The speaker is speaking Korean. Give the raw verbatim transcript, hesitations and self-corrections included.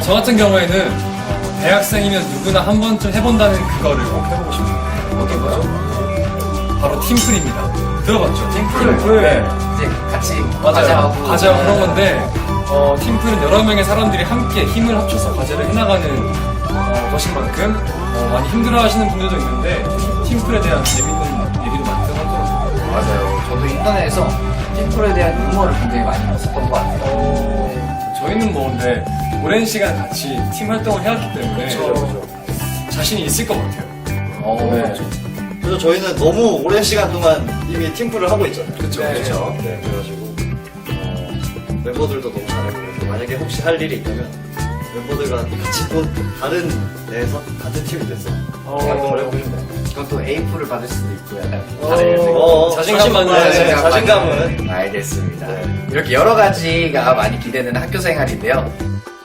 저 같은 경우에는 어, 대학생이면 누구나 한 번쯤 해본다는 그거를 꼭 해보고 싶네요. 어떤 거요? 바로 팀플입니다. 들어봤죠? 팀플. 팀플. 네. 이제 같이 맞아요. 과제하고 과제하고 그런 건데, 어, 팀플은 여러 명의 사람들이 함께 힘을 합쳐서 과제를 해나가는 어, 것인 만큼 어, 많이 힘들어하시는 분들도 있는데 팀플에 대한 재밌는 얘기도 많이 들어가더라고요. 맞아요. 저도 인터넷에서 팀플에 대한 유머를 굉장히 많이 봤었던 것 같아요. 어, 저희는 뭐 근데 오랜 시간 같이 팀 활동을 해왔기 때문에 그렇죠. 자신이 있을 것 같아요. 어, 네. 그래서 저희는 너무 오랜 시간 동안 이미 팀플을 하고 있잖아요. 그쵸, 네, 그쵸. 네, 그래가지고 어, 멤버들도 너무 잘하고 그래서 만약에 혹시 할 일이 있다면 멤버들과 같이 또 다른 데에서 같은 팀이 돼서 활동을 해보시면 그것도 에이프를 받을 수도 있고 약간 어, 다른 어, 자신감만 자신감은- 가져야 네, 자신감은 알겠습니다. 네. 이렇게 여러 가지가 많이 기대되는 학교 생활인데요.